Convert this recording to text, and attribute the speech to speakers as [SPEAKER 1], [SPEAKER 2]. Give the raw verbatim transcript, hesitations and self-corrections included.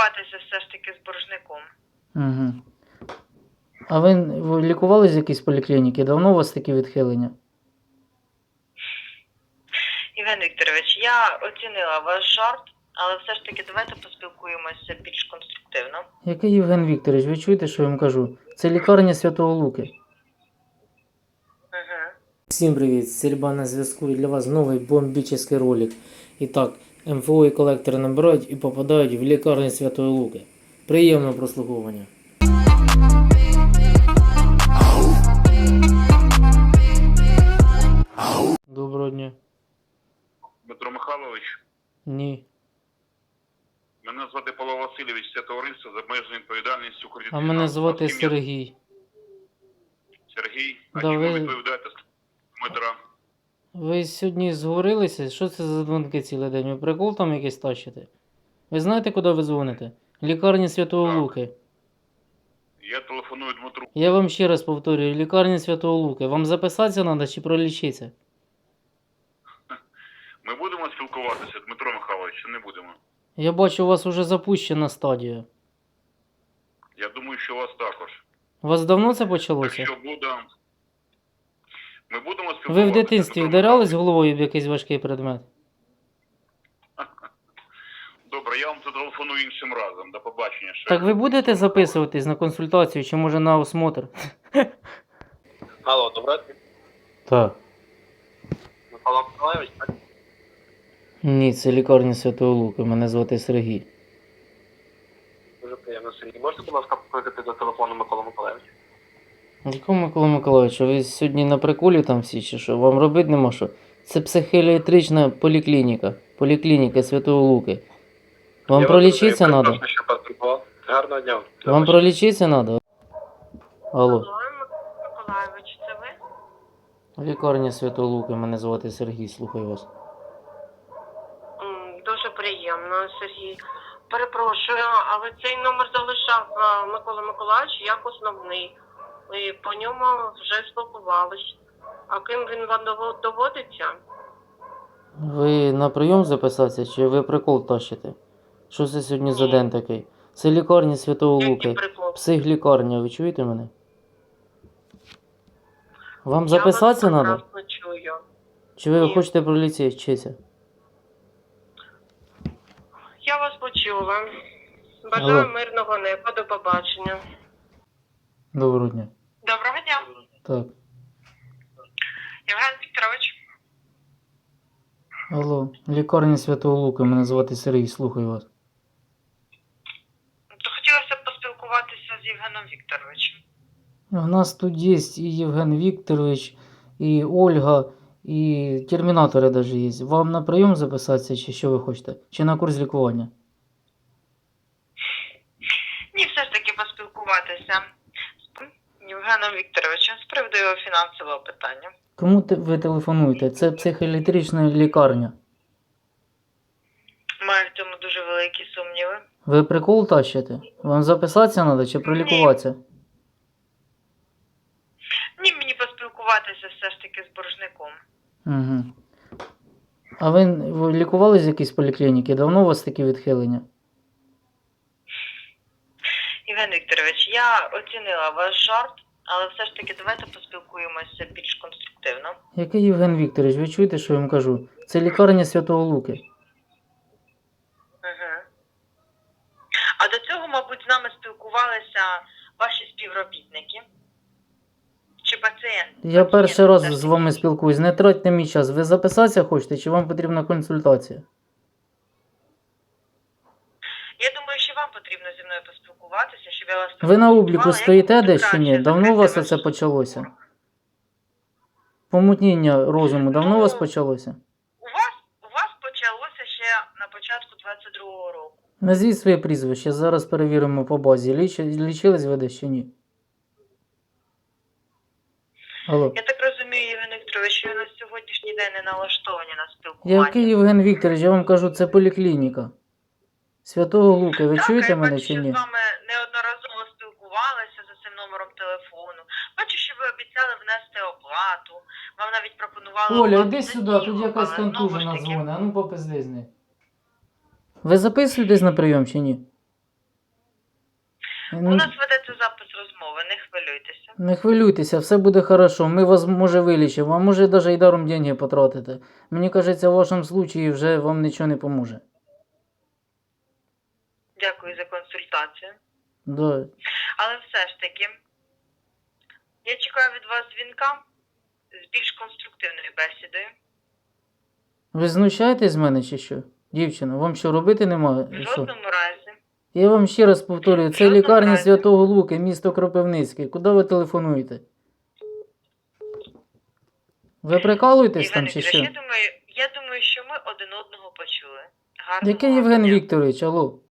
[SPEAKER 1] поспілкуватися все ж таки з боржником.
[SPEAKER 2] Угу. А ви, ви лікувались в якійсь поліклініці? Давно у вас такі відхилення?
[SPEAKER 1] Євген Вікторович, я оцінила ваш жарт, але все ж таки давайте поспілкуємося більш конструктивно.
[SPEAKER 2] Який Євген Вікторович? Ви чуєте, що я вам кажу? Це лікарня Святого Луки.
[SPEAKER 1] Угу.
[SPEAKER 2] Всім привіт! Сільба на зв'язку, і для вас новий бомбічний ролик. І так, ем еф о і колектори набирають і попадають в лікарню Святої Луки. Приємного прослуховування. Доброго дня.
[SPEAKER 3] Дмитро Михайлович,
[SPEAKER 2] Ні.
[SPEAKER 3] мене звати Павло Васильович, це товариство з обмеженою відповідальністю кредитних.
[SPEAKER 2] А мене звати Сергій.
[SPEAKER 3] Сергій, а
[SPEAKER 2] Да,
[SPEAKER 3] чому
[SPEAKER 2] ви-
[SPEAKER 3] відповідаєте Дмитра?
[SPEAKER 2] Ви сьогодні зговорилися? Що це за дзвонки цілий день? Ви прикол там якийсь тащите? Ви знаєте, куди ви дзвоните? Лікарня Святого
[SPEAKER 3] Так.
[SPEAKER 2] Луки.
[SPEAKER 3] Я телефоную Дмитру.
[SPEAKER 2] Я вам ще раз повторюю, лікарня Святого Луки. Вам записатися треба чи пролічитися?
[SPEAKER 3] Ми будемо спілкуватися, Дмитро Михайлович, чи не будемо?
[SPEAKER 2] Я бачу, у вас уже запущена стадія.
[SPEAKER 3] Я думаю, що у вас також.
[SPEAKER 2] У вас давно це почалося?
[SPEAKER 3] Якщо буде... Ми будемо спілкуватися.
[SPEAKER 2] Ви в дитинстві
[SPEAKER 3] Дмитро
[SPEAKER 2] вдарялись
[SPEAKER 3] Михайлович?
[SPEAKER 2] головою в якийсь важкий предмет?
[SPEAKER 3] Добре, я вам зателефоную іншим разом. До побачення. Ще.
[SPEAKER 2] Так ви будете записуватись на консультацію чи може на осмотр?
[SPEAKER 4] Алло, доброго дня.
[SPEAKER 2] Так.
[SPEAKER 4] Микола Миколаївич, так?
[SPEAKER 2] Ні, це лікарня Святого Луки. Мене звати Сергій.
[SPEAKER 4] Дуже приємно, Сергій. Можете, будь ласка, покликати до телефону Микола Миколаївича?
[SPEAKER 2] Якого Микола Миколаївич, ви сьогодні на приколі там всі чи що? Вам робити нема що? Це психіатрична поліклініка. Поліклініка Святого Луки. Вам
[SPEAKER 4] Я
[SPEAKER 2] пролічитися
[SPEAKER 4] вас
[SPEAKER 2] треба?
[SPEAKER 4] перепрошую, що потребував. Гарного дня.
[SPEAKER 2] Вам пролічитися треба? Алло.
[SPEAKER 1] Алло, Миколаївич, це ви?
[SPEAKER 2] Лікарня Святого Луки, мене звати Сергій, слухаю вас.
[SPEAKER 1] М, Дуже приємно, Сергій. Перепрошую, але цей номер залишав е, Микола Миколаївич як основний. І по ньому вже спілкувались. А ким він вам дово- доводиться?
[SPEAKER 2] Ви на прийом записатися чи ви прикол тащите? Що це сьогодні за
[SPEAKER 1] Ні.
[SPEAKER 2] день такий? Це лікарня Святого
[SPEAKER 1] Який
[SPEAKER 2] Луки.
[SPEAKER 1] прикол?
[SPEAKER 2] Психлікарня, ви чуєте мене? Вам
[SPEAKER 1] Я
[SPEAKER 2] записатися
[SPEAKER 1] вас
[SPEAKER 2] треба?
[SPEAKER 1] прекрасно чую.
[SPEAKER 2] Чи ви
[SPEAKER 1] Ні.
[SPEAKER 2] хочете пролічитися?
[SPEAKER 1] Я вас почула. Бажаю
[SPEAKER 2] Алло.
[SPEAKER 1] мирного неба, до побачення.
[SPEAKER 2] Доброго дня.
[SPEAKER 1] Доброго дня,
[SPEAKER 2] Так.
[SPEAKER 1] Євген Вікторович.
[SPEAKER 2] Алло, лікарня Святого Луки, мене звати Сергій, слухаю вас.
[SPEAKER 1] То хотілося б поспілкуватися з Євгеном Вікторовичем.
[SPEAKER 2] У нас тут є і Євген Вікторович, і Ольга, і термінатори навіть є. Вам на прийом записатися, чи що ви хочете? Чи на курс лікування?
[SPEAKER 1] Ні, все ж таки поспілкуватися з Євгеном Вікторовичем з приводу його фінансового питання.
[SPEAKER 2] Кому те- ви телефонуєте? Це психіатрична лікарня.
[SPEAKER 1] Маю в цьому дуже великі сумніви.
[SPEAKER 2] Ви прикол тащите? Вам записатися треба чи пролікуватися?
[SPEAKER 1] Ні, мені поспілкуватися все ж таки з боржником.
[SPEAKER 2] Угу. А ви, ви лікувались в якійсь поліклініці? Давно у вас такі відхилення?
[SPEAKER 1] Євген Вікторович, я оцінила ваш жарт, але все ж таки давайте поспілкуємося більш конструктивно.
[SPEAKER 2] Який Євген Вікторович? Ви чуєте, що я вам кажу? Це лікарня Святого Луки.
[SPEAKER 1] Угу. А до цього, мабуть, з нами спілкувалися ваші співробітники чи пацієнти?
[SPEAKER 2] Я перший
[SPEAKER 1] Пацієнти,
[SPEAKER 2] раз
[SPEAKER 1] все ж
[SPEAKER 2] з
[SPEAKER 1] таки.
[SPEAKER 2] вами спілкуюсь. Не тратьте мій час. Ви записатися хочете, чи вам потрібна консультація?
[SPEAKER 1] Я думаю, що вам потрібно зі мною поспілкуватися, щоб я вас
[SPEAKER 2] Ви на обліку
[SPEAKER 1] проконсультувала,
[SPEAKER 2] стоїте
[SPEAKER 1] як
[SPEAKER 2] десь чи ні?
[SPEAKER 1] краще
[SPEAKER 2] Давно у
[SPEAKER 1] закрити
[SPEAKER 2] вас
[SPEAKER 1] ваш
[SPEAKER 2] це почалося?
[SPEAKER 1] спор.
[SPEAKER 2] Помутніння розуму давно у вас
[SPEAKER 1] Ну,
[SPEAKER 2] почалося?
[SPEAKER 1] У вас, у вас почалося ще на початку двадцять другого року.
[SPEAKER 2] Назвіть своє прізвище, зараз перевіримо по базі. Ліч... Лічились ви десь чи ні? Алло.
[SPEAKER 1] Я так розумію, Євген Вікторович, що ви на сьогоднішній день не налаштовані на спілкування.
[SPEAKER 2] Який Євген Вікторович, я вам кажу, це поліклініка. Святого Луки, ви
[SPEAKER 1] Так,
[SPEAKER 2] чуєте
[SPEAKER 1] я
[SPEAKER 2] мене
[SPEAKER 1] бачу,
[SPEAKER 2] чи
[SPEAKER 1] що
[SPEAKER 2] ні?
[SPEAKER 1] з вами неодноразово спілкувалися за цим номером телефону. Бачу, що ви обіцяли внести оплату. Вам навіть пропонували
[SPEAKER 2] Оля,
[SPEAKER 1] оплату
[SPEAKER 2] іди
[SPEAKER 1] за
[SPEAKER 2] сюди,
[SPEAKER 1] дію,
[SPEAKER 2] тут якась
[SPEAKER 1] але знову
[SPEAKER 2] контужена
[SPEAKER 1] ж таки-
[SPEAKER 2] дзвони, а ну попизди з нею. Ви записуєтесь на прийом чи ні?
[SPEAKER 5] У нас ведеться запис розмови, не хвилюйтеся.
[SPEAKER 2] Не хвилюйтеся, все буде хорошо. Ми вас, може, вилічимо, а може, навіть і даром деньги потратите. Мені кажеться, в вашому случаї вже вам нічого не поможе.
[SPEAKER 5] Дякую за консультацію.
[SPEAKER 2] Да.
[SPEAKER 5] Але все ж таки, я чекаю від вас дзвінка з більш конструктивною бесідою.
[SPEAKER 2] Ви знущаєтесь з мене чи що? Дівчина, вам що робити немає?
[SPEAKER 5] В
[SPEAKER 2] Що?
[SPEAKER 5] жодному разі.
[SPEAKER 2] Я вам ще раз повторюю, це
[SPEAKER 5] Жодного
[SPEAKER 2] лікарня
[SPEAKER 5] разу.
[SPEAKER 2] Святого Луки, місто Кропивницький. Куди ви телефонуєте? Ви прикалуєтесь там
[SPEAKER 5] Євген
[SPEAKER 2] чи
[SPEAKER 5] Вікторович,
[SPEAKER 2] що?
[SPEAKER 5] я думаю, я думаю, що ми один одного почули. Гарного
[SPEAKER 2] Який
[SPEAKER 5] вам
[SPEAKER 2] Євген
[SPEAKER 5] дня.
[SPEAKER 2] Вікторович, алло?